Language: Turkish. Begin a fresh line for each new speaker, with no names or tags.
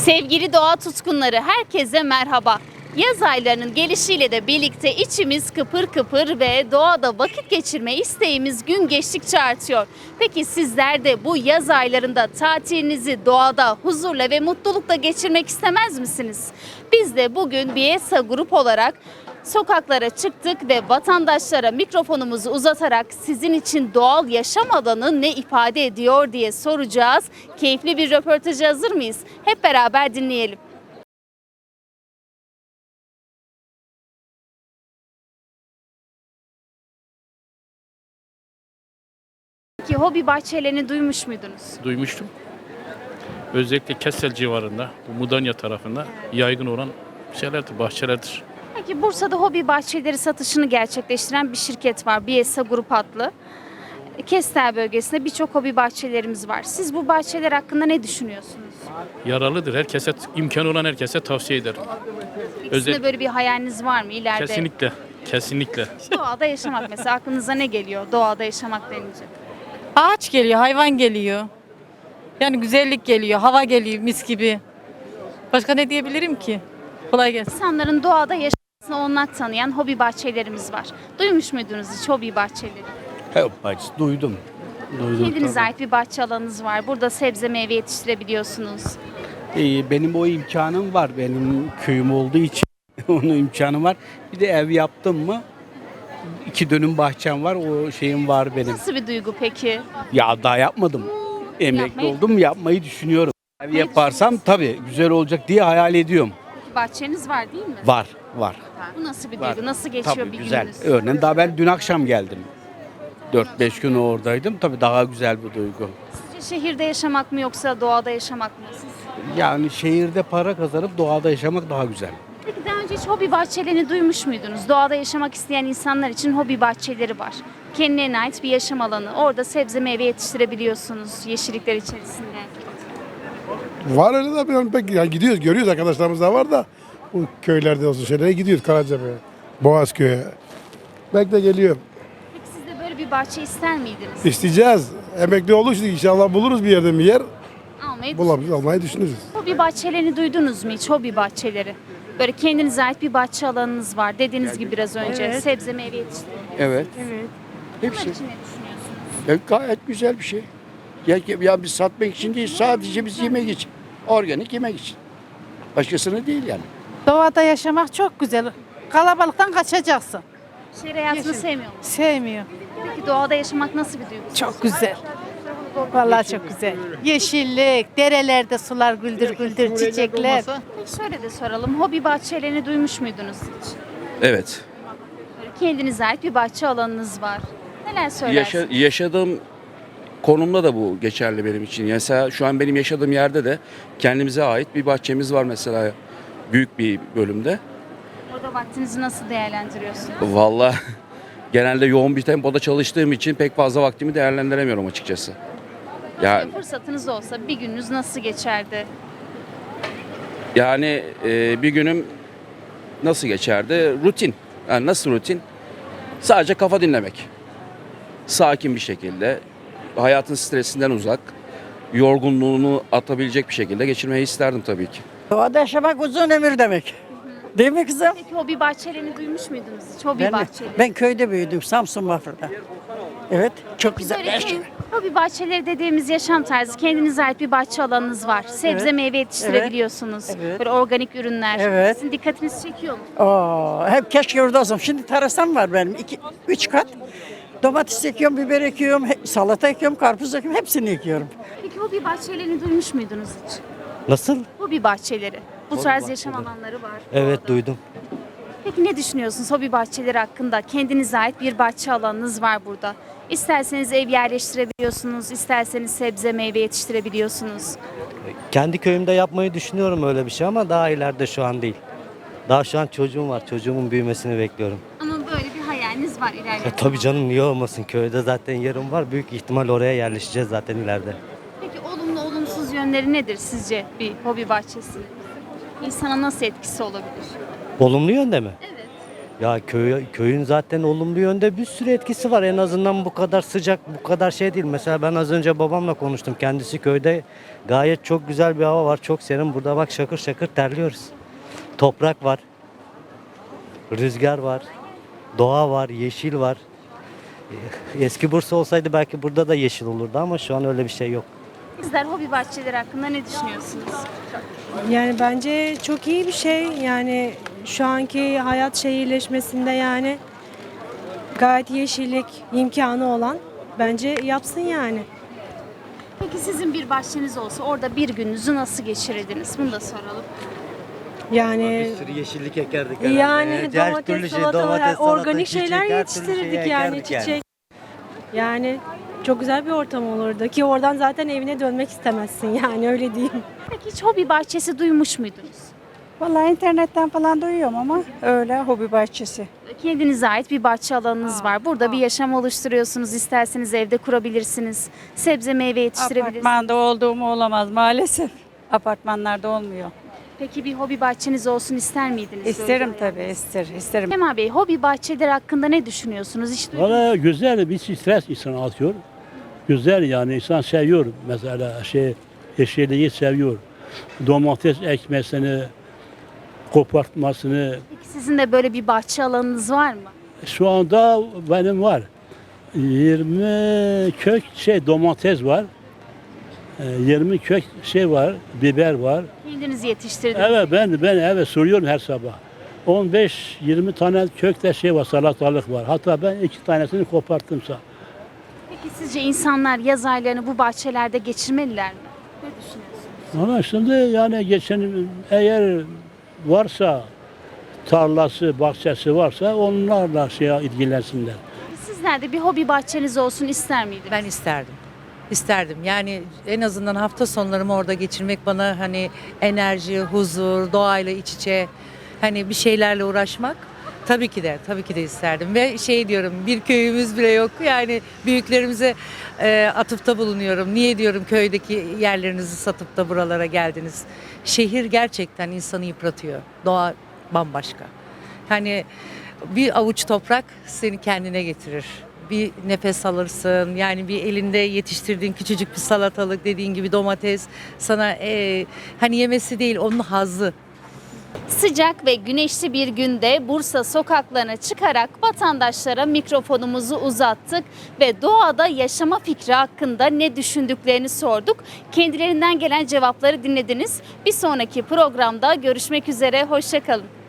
Sevgili doğa tutkunları, herkese merhaba. Yaz aylarının gelişiyle de birlikte içimiz kıpır kıpır ve doğada vakit geçirme isteğimiz gün geçtikçe artıyor. Peki sizler de bu yaz aylarında tatilinizi doğada huzurla ve mutlulukla geçirmek istemez misiniz? Biz de bugün BİESA Grup olarak sokaklara çıktık ve vatandaşlara mikrofonumuzu uzatarak sizin için doğal yaşam alanı ne ifade ediyor diye soracağız. Keyifli bir röportaja hazır mıyız? Hep beraber dinleyelim. Peki hobi bahçelerini duymuş muydunuz?
Duymuştum. Özellikle Kessel civarında, bu Mudanya tarafında yaygın olan şeylerdir, bahçelerdir.
Peki Bursa'da hobi bahçeleri satışını gerçekleştiren bir şirket var. BİESA Grup adlı. Kestel bölgesinde birçok hobi bahçelerimiz var. Siz bu bahçeler hakkında ne düşünüyorsunuz?
Yararlıdır. Herkese, imkanı olan herkese tavsiye ederim.
Sizin de böyle bir hayaliniz var mı ileride?
Kesinlikle, kesinlikle.
Doğada yaşamak mesela aklınıza ne geliyor doğada yaşamak denince?
Ağaç geliyor, hayvan geliyor. Yani güzellik geliyor, hava geliyor mis gibi. Başka ne diyebilirim ki? Kolay gelsin.
İnsanların doğada yaşamasına olanak tanıyan hobi bahçelerimiz var. Duymuş muydunuz hiç hobi bahçeleri?
Hep bahçesi duydum.
Kendinize
tabii.
ait bir bahçe alanınız var. Burada sebze meyve yetiştirebiliyorsunuz.
Benim o imkanım var. Benim köyüm olduğu için onun imkanı var. Bir de ev yaptım mı 2 dönüm bahçem var. O şeyim var benim.
Nasıl bir duygu peki?
Ya daha yapmadım. Emekli
Yapmayı-
oldum, yapmayı düşünüyorum. Ev
Yapmayı
yaparsam tabii güzel olacak diye hayal ediyorum.
Bahçeniz var değil mi?
Var, var.
Bu nasıl bir
Var.
duygu? Nasıl geçiyor
Tabii
bir
güzel.
gününüz?
Örneğin daha ben dün akşam geldim. 4-5 gün oradaydım. Tabii daha güzel bir duygu.
Sizce şehirde yaşamak mı yoksa doğada yaşamak mı?
Yani şehirde para kazanıp doğada yaşamak daha güzel.
Peki daha önce hiç hobi bahçelerini duymuş muydunuz? Doğada yaşamak isteyen insanlar için hobi bahçeleri var. Kendilerine ait bir yaşam alanı. Orada sebze meyve yetiştirebiliyorsunuz yeşillikler içerisinde.
Var öyle de ben pek yani gidiyoruz görüyoruz arkadaşlarımız da var da bu köylerde olsun şeylere gidiyoruz Karacabey'e, Boğazköy'e. Belki de geliyorum.
Peki siz de böyle bir bahçe ister miydiniz?
İsteyeceğiz. Emekli oluruz inşallah buluruz bir yerde bir yer.
Almayı
Bulabiliriz, almayı düşünürüz.
Hobi bahçelerini duydunuz mu hiç? Hobi bahçeleri. Böyle kendinize ait bir bahçe alanınız var. Dediğiniz gibi biraz önce sebze meyve yetiştirebiliyorsunuz.
Evet.
Bunlar
Hepsi.
için ne düşünüyorsunuz?
Gayet güzel bir şey. Ya biz satmak için değil, sadece biz yemek için. Organik yemek için. Başkasını değil yani.
Doğada yaşamak çok güzel. Kalabalıktan kaçacaksın.
Şehir hayatını sevmiyor musunuz?
Sevmiyor.
Peki doğada yaşamak nasıl bir duygu?
Çok güzel. Vallahi çok güzel. Yeşillik, derelerde sular güldür güldür, çiçekler.
Peki şöyle de soralım. Hobi bahçelerini duymuş muydunuz hiç?
Evet.
Böyle kendinize ait bir bahçe alanınız var. Neler söylersiniz?
Yaşadığım konumda da bu geçerli benim için. Mesela şu an benim yaşadığım yerde de kendimize ait bir bahçemiz var mesela büyük bir bölümde.
Orada vaktinizi nasıl değerlendiriyorsunuz?
Vallahi genelde yoğun bir tempoda çalıştığım için pek fazla vaktimi değerlendiremiyorum açıkçası. Ya
Fırsatınız olsa bir gününüz nasıl geçerdi?
yani bir günüm nasıl geçerdi? Rutin. Yani nasıl rutin? Sadece kafa dinlemek. Sakin bir şekilde, hayatın stresinden uzak, yorgunluğunu atabilecek bir şekilde geçirmeyi isterdim tabii ki.
Doğada yaşamak uzun ömür demek. Değil mi kızım?
Peki hobi bahçelerini duymuş muydunuz hiç? Hobi
Ben,
bahçeleri.
ben köyde büyüdüm, Samsun Bafra'da. Evet, çok güzel.
Böyle hobi bahçeleri dediğimiz yaşam tarzı, kendinize ait bir bahçe alanınız var. Sebze
Evet.
meyve yetiştirebiliyorsunuz.
Evet.
Böyle organik ürünler.
Evet.
Sizin dikkatinizi çekiyor mu?
Hep keşke orada olsam. Şimdi terasam var benim, 3 kat. Domates ekiyorum, biber ekiyorum, salata ekiyorum, karpuz ekiyorum, hepsini ekiyorum.
Peki hobi bahçelerini duymuş muydunuz hiç?
Nasıl?
Hobi bahçeleri. Bu tarz yaşam alanları var.
Evet
doğada.
duydum.
Peki ne düşünüyorsunuz hobi bahçeleri hakkında? Kendinize ait bir bahçe alanınız var burada. İsterseniz ev yerleştirebiliyorsunuz, isterseniz sebze meyve yetiştirebiliyorsunuz.
Kendi köyümde yapmayı düşünüyorum öyle bir şey ama daha ileride şu an değil. Daha şu an çocuğum var. Çocuğumun büyümesini bekliyorum.
Ama böyle bir hayaliniz var ileride.
Tabii canım niye olmasın? Köyde zaten yerim var. Büyük ihtimal oraya yerleşeceğiz zaten ileride.
Peki olumlu olumsuz yönleri nedir sizce bir hobi bahçesi? İnsana nasıl etkisi olabilir?
Olumlu yönde mi?
Evet.
Ya köyün zaten olumlu yönde bir sürü etkisi var. En azından bu kadar sıcak, bu kadar şey değil. Mesela ben az önce babamla konuştum. Kendisi köyde, gayet çok güzel bir hava var. Çok serin. Burada bak şakır şakır terliyoruz. Toprak var. Rüzgar var. Doğa var. Yeşil var. Eski Bursa olsaydı belki burada da yeşil olurdu ama şu an öyle bir şey yok.
Sizler hobi bahçeleri hakkında ne düşünüyorsunuz?
Yani bence çok iyi bir şey. Yani şu anki hayat şehirleşmesinde yani gayet yeşillik imkanı olan bence yapsın yani.
Peki sizin bir bahçeniz olsa orada bir gününüzü nasıl geçirirdiniz? Bunu da soralım.
Yani
Bir sürü yeşillik ekerdik
yani
Her türlü
domates,
şey,
salatalar, organik
çiçek,
şeyler
her türlü şey
yetiştirirdik yani
ekerdik
çiçek. Yani çok güzel bir ortam olurdu ki oradan zaten evine dönmek istemezsin yani öyle diyeyim.
Peki hiç hobi bahçesi duymuş muydunuz?
Vallahi internetten falan duyuyorum ama öyle hobi bahçesi.
Kendinize ait bir bahçe alanınız var. Burada bir yaşam oluşturuyorsunuz. İsterseniz evde kurabilirsiniz. Sebze meyve yetiştirebilirsiniz.
Apartmanda olduğum olamaz maalesef. Apartmanlarda olmuyor.
Peki bir hobi bahçeniz olsun ister miydiniz?
İsterim
Böyle
tabii, isterim.
Kemal Bey, hobi bahçeleri hakkında ne düşünüyorsunuz? Hiç duydunuz mu?
Valla güzel bir stres insan atıyor. Güzel yani insan seviyor mesela yeşilliği seviyor. Domates ekmesini, kopartmasını.
Peki sizin de böyle bir bahçe alanınız var mı?
Şu anda benim var. 20 kök domates var. 20 kök var, biber var.
Kendiniz yetiştirdiniz.
Evet ben evet soruyorum her sabah. 15-20 tane kökte var, salatalık var. Hatta ben 2 tanesini koparttımsa.
Peki sizce insanlar yaz aylarını bu bahçelerde geçirmeliler mi? Ne düşünüyorsunuz?
Ama şimdi yani eğer varsa tarlası, bahçesi varsa onlarla ilgilensinler.
Sizler de bir hobi bahçeniz olsun ister miydiniz?
Ben isterdim. İsterdim. Yani en azından hafta sonlarımı orada geçirmek bana hani enerji, huzur, doğayla iç içe hani bir şeylerle uğraşmak tabii ki de isterdim. Ve diyorum bir köyümüz bile yok. Yani büyüklerimize atıfta bulunuyorum. Niye diyorum köydeki yerlerinizi satıp da buralara geldiniz? Şehir gerçekten insanı yıpratıyor. Doğa bambaşka. Hani bir avuç toprak seni kendine getirir. Bir nefes alırsın. Yani bir elinde yetiştirdiğin küçücük bir salatalık, dediğin gibi domates sana hani yemesi değil, onun hazzı.
Sıcak ve güneşli bir günde Bursa sokaklarına çıkarak vatandaşlara mikrofonumuzu uzattık ve doğada yaşama fikri hakkında ne düşündüklerini sorduk. Kendilerinden gelen cevapları dinlediniz. Bir sonraki programda görüşmek üzere, hoşça kalın.